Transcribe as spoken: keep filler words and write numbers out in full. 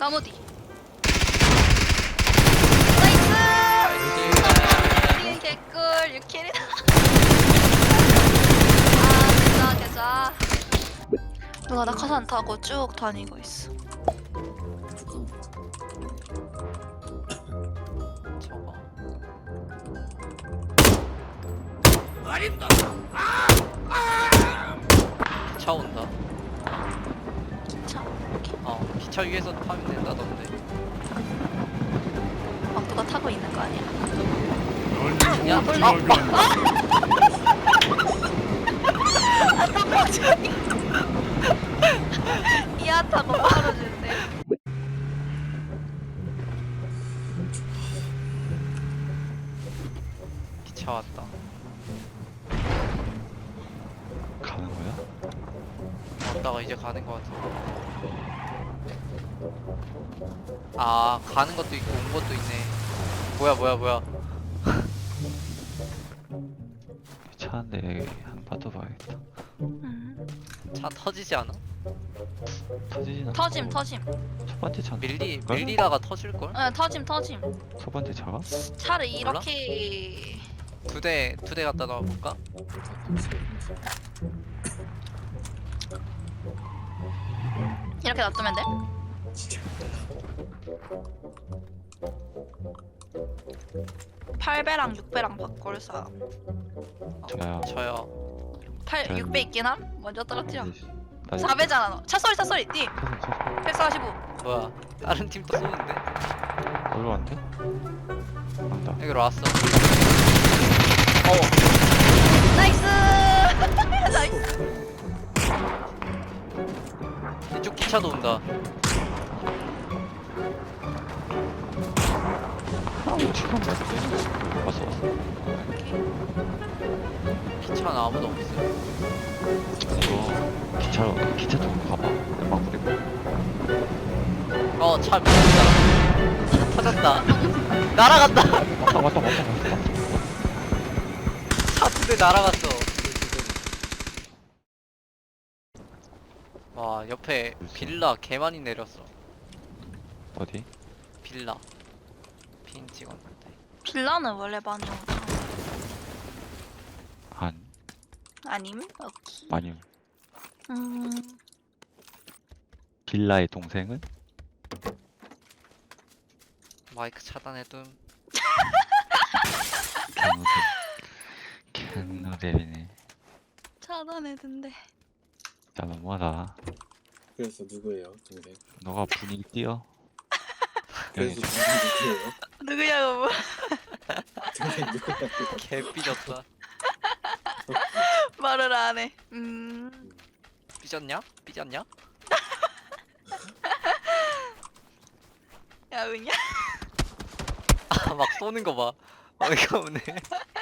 나무 뒤. 나이스! 개꿀 유킬이다. 아 개자 개자. 누가 낙하산 타고 쭉 다니고 있어. 저거. 기차 온다. 차. 이렇게. 어, 기차 위에서 타면 된다던데. 막 누가 타고 있는 거 아니야? 야, 아, 몰라. 이야 타고 떨어지는데. 기차 왔다. 가는 거야? 왔다가 이제 가는 거 같아. 아, 가는 것도 있고 온 것도 있네. 뭐야, 뭐야, 뭐야. 차인데 한 번 봐야겠다. 음. 차 터지지 않아? 터지진 않아. 터짐 터짐. 첫 번째 차. 밀리 밀리다가 터질 걸? 어 터짐 터짐. 첫 번째 차가? 차를 이렇게. 두 대 두 대 갖다 놔 볼까? 이렇게 놔두면 돼? 팔 배랑 육 배랑 바꿀 사람. 저요. 저요. 팔, 저요. 육 배 있긴 함? 먼저 떨어뜨려. 나 사 배잖아 너. 차 소리 차 소리 띠. 백사십오. 뭐야? 다른 팀 또 쏘는데? 얼마 안 돼? 안다. 여기로 왔어. 어, 나이스. 나이스. 이쪽 기차도 온다. 아, 지금 맞지? 왔어 왔어. 기차는 아무도 없어. 이거 기차로 기차 좀 가봐. 막 부리고. 어, 차 밀린다. 터졌다. 날아간다. 왔다 왔다 왔다 왔다. 차 두 대 날아갔어. 와, 옆에 빌라 개 많이 내렸어. 어디? 빌라. 핀 찍었는데. 빌라는 원래 많이 오잖아. 안 아님? 오케이. 많이. 음. 빌라의 동생은? 마이크 차단해둠. 캔노데 캔노데비네. 차단해둔대. 야 너무하다. 그래서 누구예요, 동생? 너가 분위기 띄어. 그래서 여기 누구예요? 누구냐고 뭐. 동생 누구냐고? 개 삐졌다. 말을 안 해. 음. 삐졌냐? 삐졌냐? 야 은야. 아, 막 쏘는 거 봐. 어이가 없네.